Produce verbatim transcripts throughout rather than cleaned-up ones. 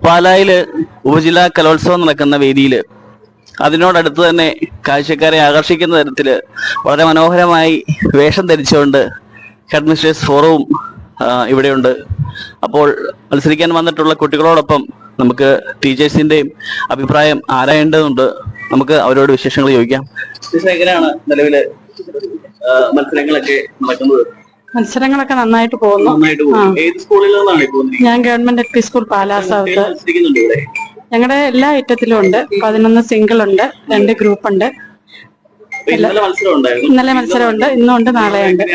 പാലായില് ഉപജില്ലാ കലോത്സവം നടക്കുന്ന വേദിയിൽ അതിനോടടുത്ത് തന്നെ കാഴ്ചക്കാരെ ആകർഷിക്കുന്ന തരത്തില് വളരെ മനോഹരമായി വേഷം ധരിച്ചുകൊണ്ട് ഹെഡ് മിസ്റ്റേഴ്സ് ഫോറവും ഇവിടെയുണ്ട്. അപ്പോൾ മത്സരിക്കാൻ വന്നിട്ടുള്ള കുട്ടികളോടൊപ്പം നമുക്ക് ടീച്ചേഴ്സിന്റെയും അഭിപ്രായം ആരായേണ്ടതുണ്ട്. നമുക്ക് അവരോട് വിശേഷങ്ങൾ ചോദിക്കാം. എങ്ങനെയാണ് നിലവില് മത്സരങ്ങളൊക്കെ നടക്കുന്നത്? മത്സരങ്ങളൊക്കെ നന്നായിട്ട് പോകുന്നു. ഏത് സ്കൂളിൽ നിന്നാണ് പോകുന്നത്? ഞാൻ government L P school Pala south. ഞങ്ങളുടെ എല്ലാ ഐറ്റത്തിലും ഉണ്ട്. പതിനൊന്ന് സിംഗിൾ ഉണ്ട്, രണ്ട് ഗ്രൂപ്പ് ഉണ്ട്. ഇന്നലെ മത്സരം ഉണ്ട്, ഇന്നും ഉണ്ട്, നാളെ ഉണ്ട്.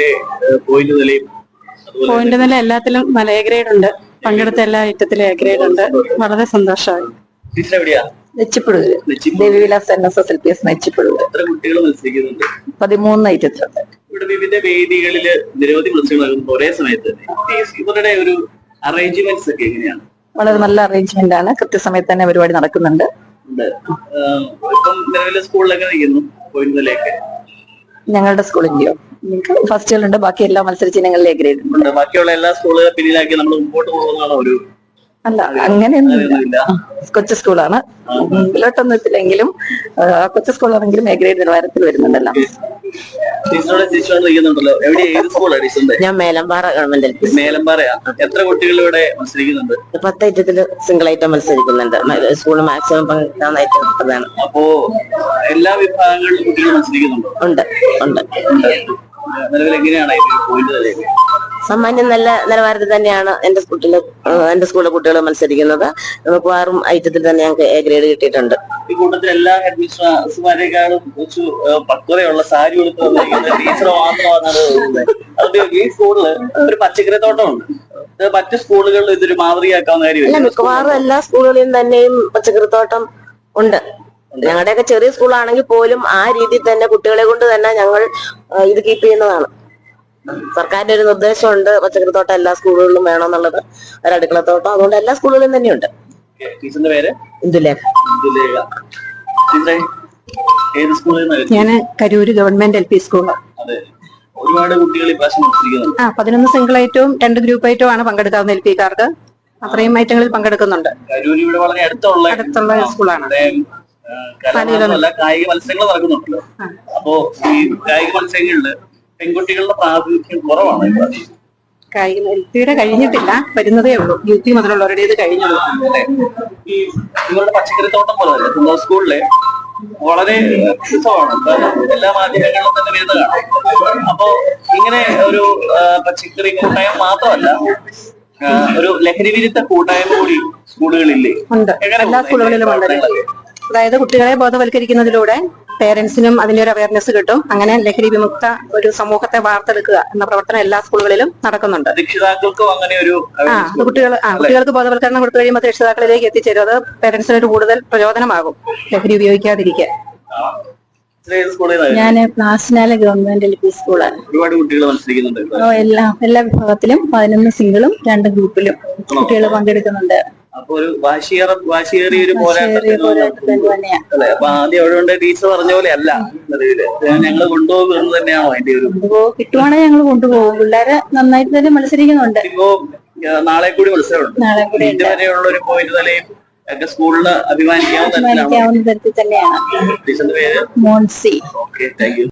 പോയിന്റ് നില എല്ലാത്തിലും നല്ല എ ഗ്രേഡ് ഉണ്ട്. പങ്കെടുത്ത എല്ലാ ഐറ്റത്തിലും എ ഗ്രേഡ് ഉണ്ട്. വളരെ സന്തോഷമായി. Nechipuzhoor Devivilas N S S L P S Nechipuzhoor. പതിമൂന്ന് ഐറ്റത്തിലുണ്ട്. ഇവിടെ വിവിധ വേദികളില് നിരവധി മത്സരങ്ങൾ ഒരേ സമയത്ത് ഇവരുടെ ഒരു അറേഞ്ച്മെന്റ്സ് ഒക്കെ എങ്ങനെയാണ്? വളരെ നല്ല അറേഞ്ച്മെന്റ് ആണ്. കൃത്യസമയത്ത് തന്നെ പരിപാടി നടക്കുന്നുണ്ട്. ഇപ്പം നിലവിലെ സ്കൂളിലൊക്കെ നിൽക്കുന്നു പോയിന്റിലേക്ക്. ഞങ്ങളുടെ സ്കൂളിന്റെയോ ഫസ്റ്റുകളുണ്ട്, ബാക്കി എല്ലാ മത്സരിച്ച് ഞങ്ങളിലെ ഗ്രേഡ് ഉണ്ട്. ബാക്കിയുള്ള എല്ലാ സ്കൂളുകളെ പിന്നിലാക്കി നമ്മൾ മുമ്പോട്ട് പോകുന്നതാണോ? ഒരു അല്ല, അങ്ങനെയൊന്നുമില്ല. കൊച്ചു സ്കൂളാണ്, മുമ്പിലോട്ടൊന്നും എത്തില്ലെങ്കിലും കൊച്ചു സ്കൂളാണെങ്കിലും എ ഗ്രേഡ് നിലവാരത്തിൽ വരുന്നുണ്ടല്ലോ. ഞാൻ മേലമ്പാറ ഗവൺമെന്റ് എൽ പി. മേലമ്പാറയാ? എത്ര കുട്ടികൾ ഇവിടെ മത്സരിക്കുന്നുണ്ട്? പത്ത് ഐറ്റത്തില് സിംഗിൾ ഐറ്റം മത്സരിക്കുന്നുണ്ട്. സ്കൂള് മാക്സിമം പങ്കെടുക്കുന്ന ഐറ്റം അതാണ്. അപ്പോ എല്ലാ വിഭാഗങ്ങളിലും കുട്ടികൾ മത്സരിക്കുന്നുണ്ടോ? ഉണ്ട് ഉണ്ട്. നിലവിൽ എങ്ങനെയാണ് പോയിന്റ്? സാമാന്യം നല്ല നിലവാരത്തിൽ തന്നെയാണ് എന്റെ സ്കൂളില് എന്റെ സ്കൂളിലെ കുട്ടികൾ മത്സരിക്കുന്നത്. നമുക്ക് ആറും ഐറ്റത്തിൽ തന്നെ ഞങ്ങൾക്ക് എ ഗ്രേഡ് കിട്ടിയിട്ടുണ്ട്. ഈ കൂട്ടത്തിൽ എല്ലാ ഹെഡ് മിസ്റ്റർമാരെക്കാളും കുറച്ച് പക്വതയുള്ള സാരി കൊടുത്ത് ടീച്ചർ മാത്രമാണ് അത്. ഈ സ്കൂളില് ഒരു പച്ചക്കറി തോട്ടമുണ്ട്. മറ്റു സ്കൂളുകളിൽ ഇതൊരു മാതൃകയാക്കാവുന്ന കാര്യമില്ല. മിക്കവാറും എല്ലാ സ്കൂളുകളിലും തന്നെയും പച്ചക്കറി തോട്ടം ഉണ്ട്. ഞങ്ങളുടെയൊക്കെ ചെറിയ സ്കൂളാണെങ്കിൽ പോലും ആ രീതിയിൽ തന്നെ കുട്ടികളെ കൊണ്ട് തന്നെ ഞങ്ങൾ ഇത് കീപ്പ് ചെയ്യുന്നതാണ്. സർക്കാരിന്റെ ഒരു നിർദ്ദേശമുണ്ട്, പച്ചക്കറിത്തോട്ടം എല്ലാ സ്കൂളുകളിലും വേണമെന്നുള്ളത്. ഒരു അടുക്കളത്തോട്ടം അതുകൊണ്ട് എല്ലാ സ്കൂളുകളിലും തന്നെയുണ്ട്. ഇന്ദുലേഖ. ഞാൻ Karoor government L P school. ഒരുപാട് കുട്ടികൾ ആ പതിനൊന്ന് സിംഗിൾ ഐറ്റവും രണ്ട് ഗ്രൂപ്പ് ഐറ്റവും ആണ് പങ്കെടുക്കാവുന്ന എൽ പി കാർക്ക്. അത്രയും ഐറ്റങ്ങളിൽ പങ്കെടുക്കുന്നുണ്ട്. അടുത്തുള്ള സ്കൂളാണ്. കായിക മത്സരങ്ങൾ നടക്കുന്നുണ്ടല്ലോ. അപ്പോ ഈ കായിക മത്സരങ്ങളില് പെൺകുട്ടികളുടെ പ്രാതിനിധ്യം കുറവാണ്. കായിക എൽ പിയുടെ കഴിഞ്ഞിട്ടില്ല, വരുന്നതേ ഉള്ളൂ. യു പി മുതലുള്ളവരുടേത് കഴിഞ്ഞുള്ളൂ. ഈ ഇവരുടെ പച്ചക്കറിത്തോട്ടം പോലെ തന്നെ സ്കൂളിലെ വളരെ വ്യത്യസ്തമാണ്. എല്ലാ മാധ്യമങ്ങളിലും തന്നെ വരുന്നതാണ്. അപ്പോ ഇങ്ങനെ ഒരു പച്ചക്കറി കൂട്ടായ്മ മാത്രമല്ല, ഒരു ലഹരി വിരുദ്ധ കൂട്ടായ്മ കൂടി സ്കൂളുകളില്ലേ? ഉണ്ട്, എല്ലാ സ്കൂളുകളിലും ഉണ്ട്. അതായത് കുട്ടികളെ ബോധവൽക്കരിക്കുന്നതിലൂടെ പേരൻസിനും അതിന്റെ ഒരു അവയർനെസ് കിട്ടും. അങ്ങനെ ലഹരി വിമുക്ത ഒരു സമൂഹത്തെ വാർത്തെടുക്കുക എന്ന പ്രവർത്തനം എല്ലാ സ്കൂളുകളിലും നടക്കുന്നുണ്ട്. രക്ഷിതാക്കൾക്കും അങ്ങനെ ഒരു ആ അത് കുട്ടികൾ ആ കുട്ടികൾക്ക് ബോധവൽക്കരണം കൊടുത്തു കഴിയുമ്പോൾ രക്ഷിതാക്കളിലേക്ക് എത്തിച്ചേരും. അത് പേരൻസിന് ഒരു കൂടുതൽ പ്രചോദനമാകും ലഹരി ഉപയോഗിക്കാതിരിക്കാൻ. ഞാൻ നാഷണൽ ഗവൺമെന്റ് എൽ പി സ്കൂളാണ്. ഒരുപാട് കുട്ടികൾ മത്സരിക്കുന്നുണ്ട്. എല്ലാ എല്ലാ വിഭാഗത്തിലും പതിനൊന്ന് സിംഗിളും രണ്ട് ഗ്രൂപ്പിലും കുട്ടികൾ പങ്കെടുക്കുന്നുണ്ട്. അപ്പൊ ഒരു വാശിയേറ വാശിയേറിയ ഒരു പോരാട്ടം അല്ലെ? അപ്പൊ ആദ്യം അവിടെ ടീച്ചർ പറഞ്ഞ പോലെ അല്ല, ഞങ്ങള് കൊണ്ടുപോകുന്നത് തന്നെയാണോ അതിന്റെ ഒരു? കിട്ടുവാണെങ്കിൽ ഞങ്ങൾ കൊണ്ടുപോകും. പിള്ളേരെ നന്നായിട്ട് തന്നെ മത്സരിക്കുന്നുണ്ട്. ഇപ്പോ നാളെ കൂടി മത്സരമുണ്ട്. ഇതുവരെയുള്ള ഒരു പോയിന്റ് നിലയും ഒക്കെ സ്കൂളിന് അഭിമാനിക്കാവുന്ന തരത്തിൽ തന്നെയാണ്. ടീച്ചറിന്റെ പേര് മോൺസി. Okay, thank you.